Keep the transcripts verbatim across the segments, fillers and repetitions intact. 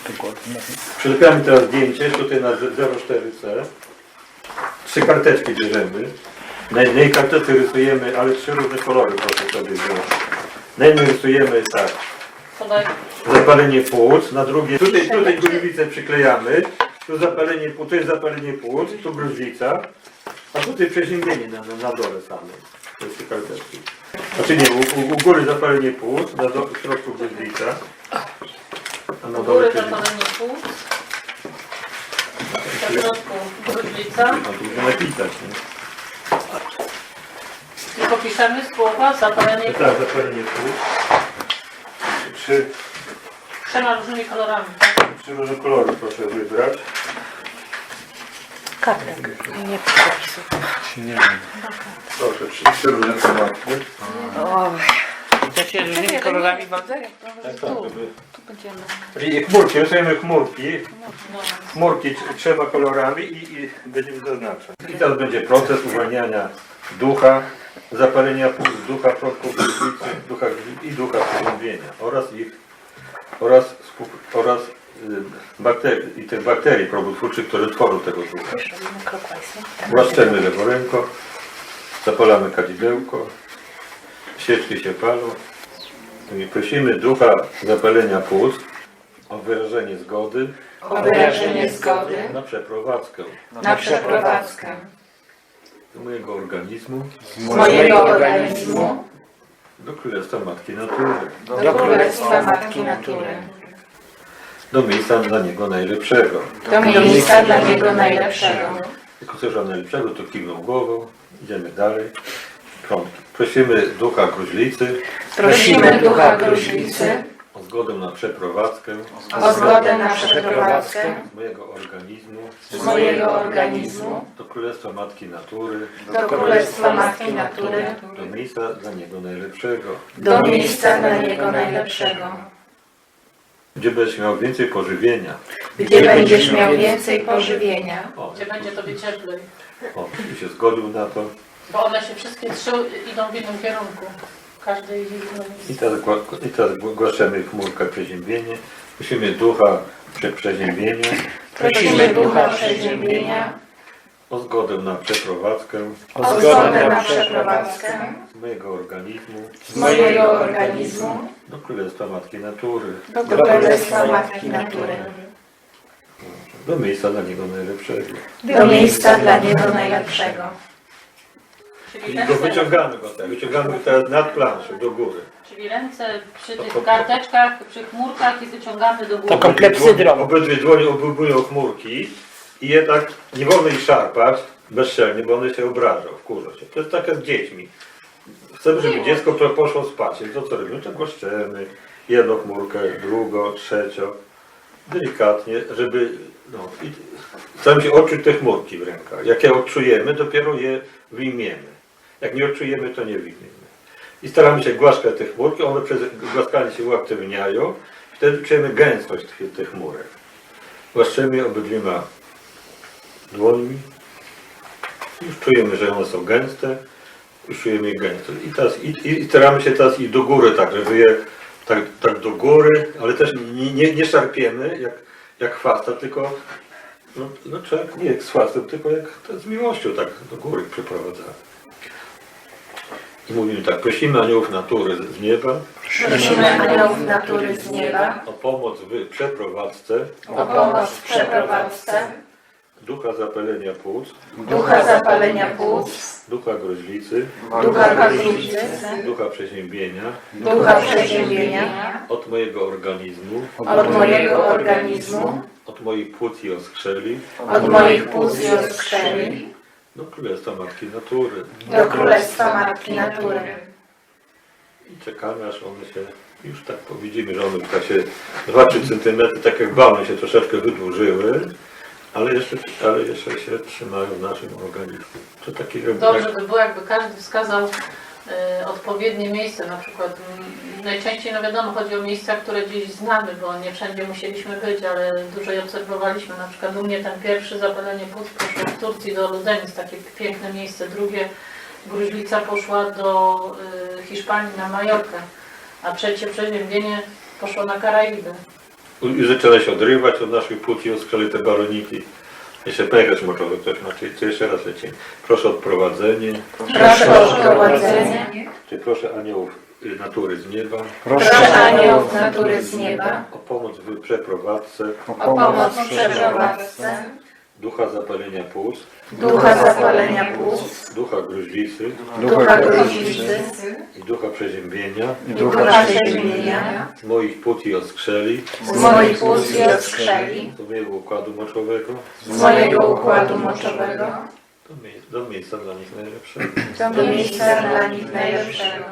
Przylepiamy teraz zdjęcie, tutaj na zero cztery C. Trzy karteczki bierzemy. Na jednej karteczce rysujemy, ale trzy różne kolory, proszę sobie wziąć. Na jednej rysujemy tak. Zapalenie płuc, na drugie, tutaj, tutaj gruźlicę przyklejamy, tu zapalenie płuc, tu jest zapalenie płuc, tu gruźlica, a tutaj przeziębienie na, na, na dole samej. To jest te karteczki. Znaczy nie, u, u góry zapalenie płuc, na do, w środku gruźlica, a na U dole góry zapalenie płuc, w środku gruźlica. A tu można napisać, nie? I popiszemy słowa zapalenie płuc. Tak, zapalenie płuc. Trzy, Trzema różnymi kolorami, tak? trzy różne kolory proszę wybrać. Kartek. Nie przepisów. Proszę, trzy, trzy różne kolory. To się różnymi kolorami bardzo? Tak, tak, żeby... Tu będziemy. I chmurki, rysujemy chmurki. No. Chmurki trzema kolorami i, i będziemy zaznaczać. I teraz będzie proces uwalniania ducha, zapalenia płuc, ducha, przodków gruźlicy, ducha i ducha przeziębienia oraz ich oraz, oraz y, bakterii, i tych bakterii probotwórczych, które tworzą tego ducha. Łaszczemy leworęko, zapalamy kadzidełko, świeczki się palą. I prosimy ducha zapalenia płuc o wyrażenie zgody O wyrażenie zgody na przeprowadzkę na przeprowadzkę do mojego organizmu z mojego organizmu do Królestwa Matki Natury, do Królestwa Matki Natury, do miejsca dla niego najlepszego. do miejsca dla niego najlepszego. Jak usłyszał najlepszego, to kiwnął głową. Idziemy dalej. Trąbki. Prosimy ducha gruźlicy Prosimy ducha gruźlicy o zgodę na przeprowadzkę o zgodę na przeprowadzkę z mojego organizmu z mojego organizmu do Królestwa Matki Natury, do Królestwa Matki Natury, do miejsca dla niego najlepszego, do miejsca dla niego najlepszego, gdzie będziesz miał więcej pożywienia. gdzie będziesz miał więcej pożywienia, O, Gdzie będzie tobie cieplej. o, i się zgodził na to. Bo one się wszystkie trzy idą w innym kierunku. Każdy idzie w innym I miejscu. teraz, gła- i teraz głaszczemy chmurkę przeziębienie. Prosimy ducha prze, przeziębienia prosimy ducha przeziębienia o zgodę na przeprowadzkę o zgodę na przeprowadzkę z mojego organizmu z mojego organizmu do Królestwa Matki Natury, do Królestwa Matki Natury, do miejsca dla niego najlepszego. do miejsca dla niego najlepszego. Czyli I go ręce, wyciągamy go tak, wyciągamy go teraz nad planszę, do góry. czyli ręce przy tych karteczkach, przy chmurkach i wyciągamy do góry. Taką klepsydrą. Obydwie dłonie obubują chmurki i je tak, nie wolno ich szarpać bezczelnie, bo one się obrażą, wkurzą się. To jest tak jak z dziećmi. Chcemy, żeby dziecko, które poszło spać, to co robimy? To głaszczemy jedną chmurkę, drugą, trzecią, delikatnie, żeby no, i staramy się odczuć te chmurki w rękach. Jak je odczujemy, dopiero je wyjmiemy. Jak nie odczujemy, to nie wyjmiemy. I staramy się głaskać te chmurki, one przez głaskanie się uaktywniają, wtedy czujemy gęstość tych, tych chmurek. Głaszczemy obydwiema dłońmi. Już czujemy, że one są gęste. Już czujemy ich gęstość. I, teraz, i, i staramy się teraz iść do góry, tak, żeby je tak, tak do góry, ale też nie, nie, nie szarpiemy jak, jak chwasta, tylko no, no, człowiek nie jak z chwastem, tylko jak to z miłością tak do góry przeprowadzamy. I mówimy tak, prosimy aniołów natury z nieba Prosimy aniołów natury z nieba o pomoc w przeprowadzce o pomoc w przeprowadzce ducha zapalenia płuc, ducha zapalenia płuc, ducha gruźlicy, ducha gruźlicy, ducha przeziębienia ducha przeziębienia od mojego organizmu, od mojego organizmu, od moich płuc i oskrzeli od moich płuc i oskrzeli, do Królestwa Matki Natury. do Królestwa Matki Natury. I czekamy, aż one się, już tak widzimy, że one tak się dwa trzy centymetry, tak jak balony się troszeczkę wydłużyły, ale jeszcze, ale jeszcze się trzymają w naszym organizmie. To taki Dobrze by było, jakby każdy wskazał y, odpowiednie miejsce, na przykład m, najczęściej, no wiadomo, chodzi o miejsca, które gdzieś znamy, bo nie wszędzie musieliśmy być, ale dużo je obserwowaliśmy. Na przykład u mnie ten pierwszy zapalenie płuc poszło w Turcji do Ludenic, takie piękne miejsce. Drugie gruźlica poszła do y, Hiszpanii na Majorkę, a trzecie przeziębienie poszło na Karaiby. I zaczyna się odrywać od naszych płód i odskrzeli te baloniki. Jeszcze pęcherz moczowy ktoś ma, czy, czy jeszcze raz lecimy. Proszę o odprowadzenie, Proszę o prowadzenie. czy proszę aniołów y, natury z nieba, Proszę aniołów natury z nieba. o pomoc w przeprowadzce, O pomoc w przeprowadzce. ducha zapalenia płuc, Ducha zapalenia płuc. ducha gruźlicy Ducha gruźlicy. i ducha przeziębienia I ducha przeziębienia. z moich płód i odskrzeli, Z moich płuc i odskrzeli. do mojego układu moczowego, Z mojego układu moczowego. do, mie- do miejsca dla nich najlepszego. Do miejsca dla nich najlepszego.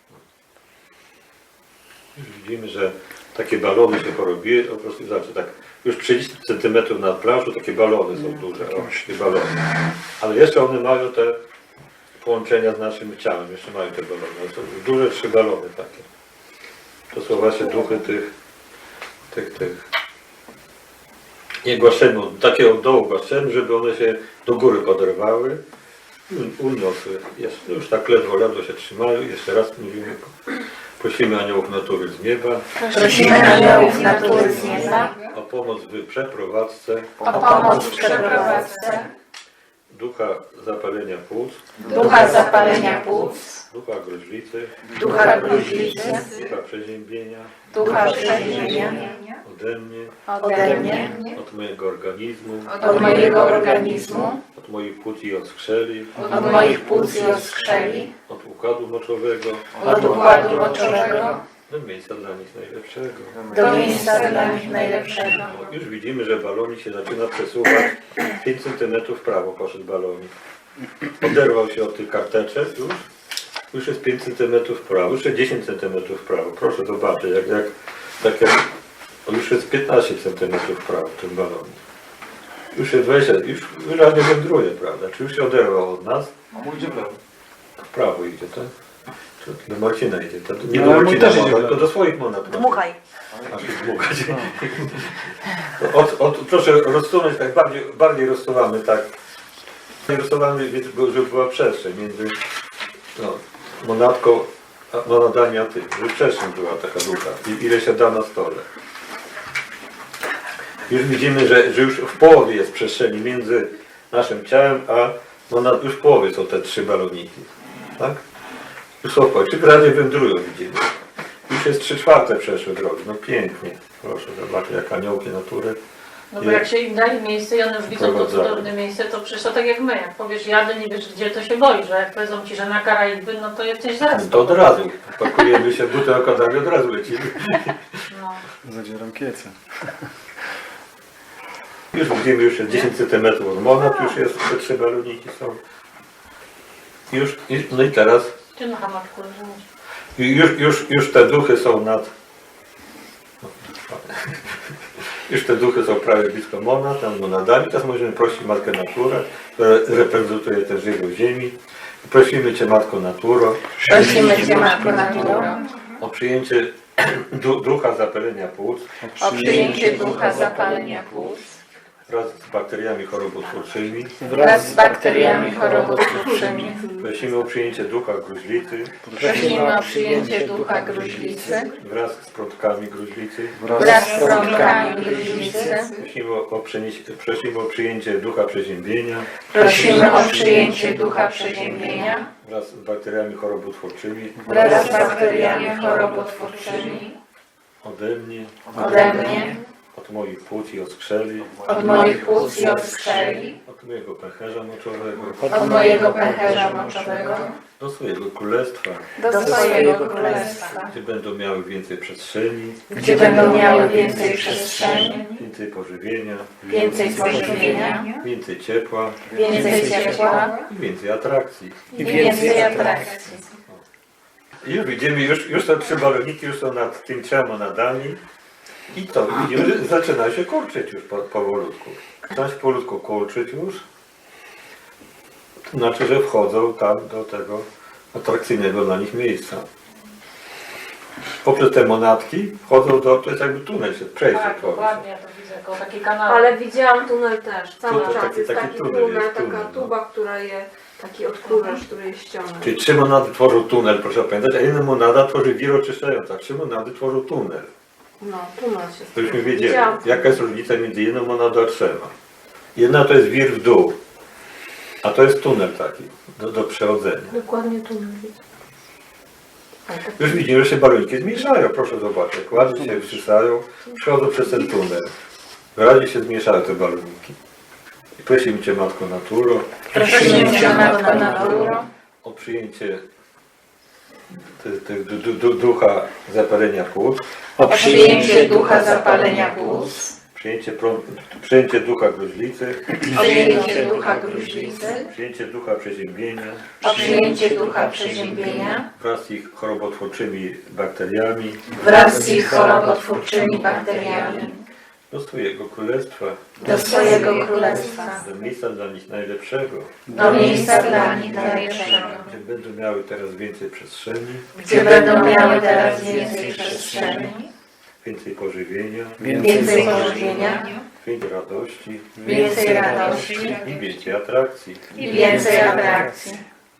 Już widzimy, że takie balony się porobiły, po prostu znaczy tak, już trzydzieści centymetrów nad plażą takie balony są duże, o, takie balony. Ale jeszcze one mają te połączenia z naszym ciałem, jeszcze mają te balony. To są duże trzy balony takie. To są właśnie duchy tych, tych, tych. Nie głaszczemy, takie od dołu głaszczemy, żeby one się do góry poderwały i uniosły. Jeszcze, już tak ledwo, ledwo się trzymają. Jeszcze raz mówimy. Prosimy aniołów natury z nieba Prosimy aniołów natury z nieba. o pomoc w przeprowadzce O pomoc w przeprowadzce. ducha zapalenia płuc, Ducha zapalenia płuc. ducha gruźlicy, Ducha gruźlicy. ducha przeziębienia Ducha przeziębienia. ode mnie, Ode mnie. od mojego organizmu, Od mojego organizmu. od moich płód i odskrzeli, Od moich płuc i odskrzeli. od układu moczowego, Od układu moczowego. do miejsca dla nich najlepszego. Do miejsca dla nich najlepszego. Już widzimy, że balonik się zaczyna przesuwać. pięć centymetrów w prawo poszedł balonik. Oderwał się od tych karteczek już. Już jest pięć centymetrów w prawo, już jest dziesięć centymetrów w prawo. Proszę zobaczyć, jak, jak, tak jak o, już jest piętnaście centymetrów w prawo ten balonik. Już jest dwadzieścia, już wyraźnie wędruje, prawda? Czy już się oderwał od nas? A mój idzie w lewo. W prawo idzie, tak? Czy do Marcina idzie, to nie No, do ale mój Marcina, też idzie w to lewo. do swoich monat. Dmuchaj. Aż się dmuchać. Od, od, proszę rozsunąć, tak bardziej, bardziej rozsuwamy, tak. Rozsuwamy, więc, bo- żeby była przestrzeń między no, monadką, a monadami a tym. Żeby przestrzeń była taka duża. I ile się da na stole. Już widzimy, że, że już w połowie jest przestrzeni między naszym ciałem, a monad, już w połowie są te trzy baloniki. Tak? Już są w połowie. Czy wyraźnie wędrują, widzimy. Już jest trzy czwarte przeszły drogi. No pięknie. Proszę zobaczyć, jak aniołki natury. No bo jak się im dali miejsce i one już widzą to Wprowadzają. cudowne miejsce, to przecież to tak jak my. Jak powiesz jadę, nie wiesz gdzie, to się boisz, że jak powiedzą ci, że na Karaiby, no to jesteś zaraz. To od razu. Pakujemy się w buty okładami, od razu lecimy. No. Zadzieram kiece. Już widzimy, już jest dziesięć centymetrów od monat, już jest, te trzy baloniki są. Już, i- no i teraz, Ty na hamatku rozumiesz. i już, już, już te duchy są nad... Już te duchy są prawie blisko monad, tam monadami. Teraz możemy prosić Matkę Naturę, która reprezentuje też żywioł ziemi. Prosimy Cię, Matko Naturo, Prosimy Cię, Matko Naturo. o przyjęcie du ducha zapalenia płuc O przyjęcie ducha zapalenia płuc. wraz z bakteriami chorobotwórczymi. Wraz z bakteriami chorobotwórczymi. Prosimy o przyjęcie ducha gruźlicy Prosimy o przyjęcie ducha gruźlicy. wraz z prądkami gruźlicy. Wraz z prądkami gruźlicy. Prosimy o, o, przenieś- prosimy o przyjęcie ducha przeziębienia Prosimy o przyjęcie ducha przeziębienia. wraz z bakteriami chorobotwórczymi Wraz z bakteriami chorobotwórczymi. ode mnie, Ode mnie. od moich płód i odskrzeli, Od moich płuc i odskrzeli. od mojego pęcherza moczowego, Od mojego pęcherza moczowego. do swojego królestwa, Do swojego królestwa. gdzie będą miały więcej przestrzeni, Gdzie będą miały więcej przestrzeni. więcej pożywienia, Więcej pożywienia. więcej ciepła Więcej ciepła. i więcej atrakcji. I więcej atrakcji. I już widzimy, już, już te trzy baloniki już są nad tym trzema nadami. I to widzimy, że zaczyna się kurczyć już po, powolutku. Zaczyna się powolutku kurczyć już. To znaczy, że wchodzą tam do tego atrakcyjnego dla nich miejsca. Poprzez te monatki wchodzą do, to jest jakby tunel, się przejście Tak, tworzy. dokładnie, ja to widzę, jako taki kanał. Ale widziałam tunel też, cały To czas taki- jest taki taki tunel tunel, jest, taka tunel, no. tuba, która je, taki odkurzacz, który jest ściągany. Czyli trzy monady tworzą tunel, proszę pamiętać, a jedna monada tworzy wir oczyszczająca. Trzy monady tworzą tunel. No, tunel się Żebyśmy wiedzieli, Widziałam. jaka jest różnica między jedną monadą a trzema. Jedna to jest wir w dół, a to jest tunel taki do, do przechodzenia. Dokładnie tunel widzę. Już widzimy, że się baloniki zmniejszają, proszę zobaczyć. Jak ładnie się wstrzysają, przechodzą przez ten tunel. Wyraźnie się zmniejszają te baloniki. I prosimy Cię, Matko Naturo, Prosimy Cię, Matko Naturo, o przyjęcie te, te, du, du, du, ducha zapalenia płuc, o przyjęcie ducha zapalenia płuc, przyjęcie, pro, przyjęcie ducha gruźlicy, o przyjęcie ducha gruźlicy, przyjęcie ducha przeziębienia o przyjęcie ducha przeziębienia wraz z ich chorobotwórczymi bakteriami wraz z ich chorobotwórczymi bakteriami do swojego królestwa, do swojego królestwa, do miejsca dla nich najlepszego, do miejsca dla nich najlepszego, gdzie będą miały teraz więcej przestrzeni, gdzie będą miały teraz więcej przestrzeni, więcej pożywienia, więcej pożywienia, więcej radości więcej radości i więcej atrakcji. i więcej atrakcji.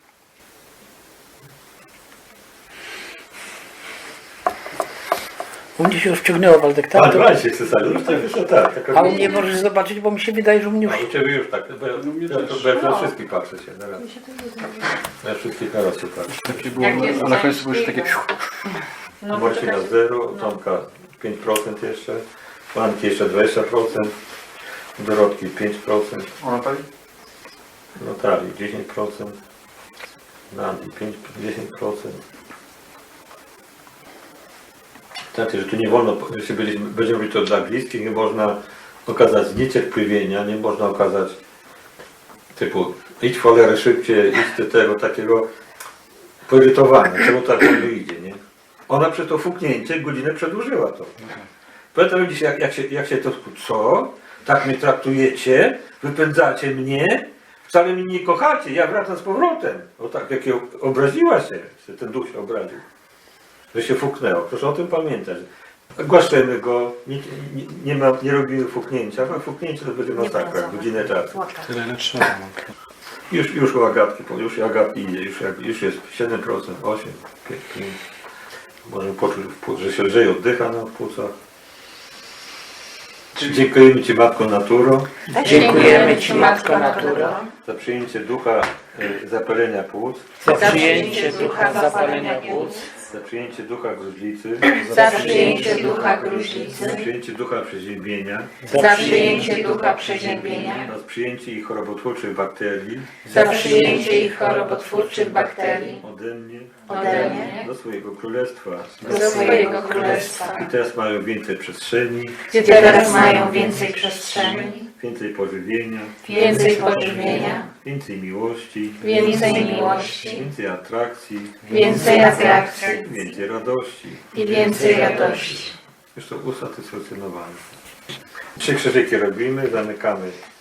U mnie się już wciągnęło, Waldek, A tak? dwa się cesarzu, już tak, już tak. tak A u mnie możesz zobaczyć, bo mi się wydaje, że u mnie już... A u Ciebie już tak, bo ja, ja, to, ja na wszystkich patrzę się na raz. Na wszystkich na raz się patrzę. Takie było, Jak jest a na końcu było już ciężki, takie... No, Marcina poczekaj. zero, Tomka pięć procent jeszcze, Fanki jeszcze dwadzieścia procent, Dorotki pięć procent, Ona tak? Natalii dziesięć procent, Nandi pięć dziesięć procent. Znaczy, że tu nie wolno, jeśli będziemy, będziemy robić to dla bliskich, nie można okazać zniecierpliwienia, nie można okazać typu idź w cholerę szybciej, idź do tego takiego poirytowania, czemu tak wolno idzie, nie? Ona przez to fuknięcie godzinę przedłużyła to. Pamiętam dziś, jak, jak, się, jak się to, co? Tak mnie traktujecie? Wypędzacie mnie? Wcale mnie nie kochacie, ja wracam z powrotem. O tak, jak ją obraziła się, że ten duch się obraził. Że się fuknęło. Proszę o tym pamiętać. Głaszczemy go, nie, nie, nie, ma, nie robimy fuknięcia, bo fuknięcie to będzie masakra, godzinę czasu. Tyle ile trzeba. Już, już u Agatki, już u Agatki idzie, już, jak- już jest siedem procent, osiem procent, pięć procent. Możemy poczuć, w płuc- że się lżej oddycha na płucach. Dziękujemy Ci, Matko Naturo, Dziękujemy Ci, Matko Naturo, za przyjęcie ducha y, zapalenia płuc, Za przyjęcie ducha zapalenia płuc, za przyjęcie ducha gruźlicy, za przyjęcie ducha gruźlicy, za przyjęcie ducha przeziębienia, za przyjęcie ducha przeziębienia, za przyjęcie ich chorobotwórczych bakterii za przyjęcie ich chorobotwórczych bakterii ode mnie ode mnie do swojego królestwa. do swojego królestwa, I teraz mają więcej przestrzeni, gdzie teraz mają więcej przestrzeni, więcej pożywienia, więcej pożywienia, więcej miłości, więcej miłości, więcej atrakcji, więcej atrakcji i więcej radości. i więcej radości. Już to usatysfakcjonowany. Trzy krzyżyki robimy, zamykamy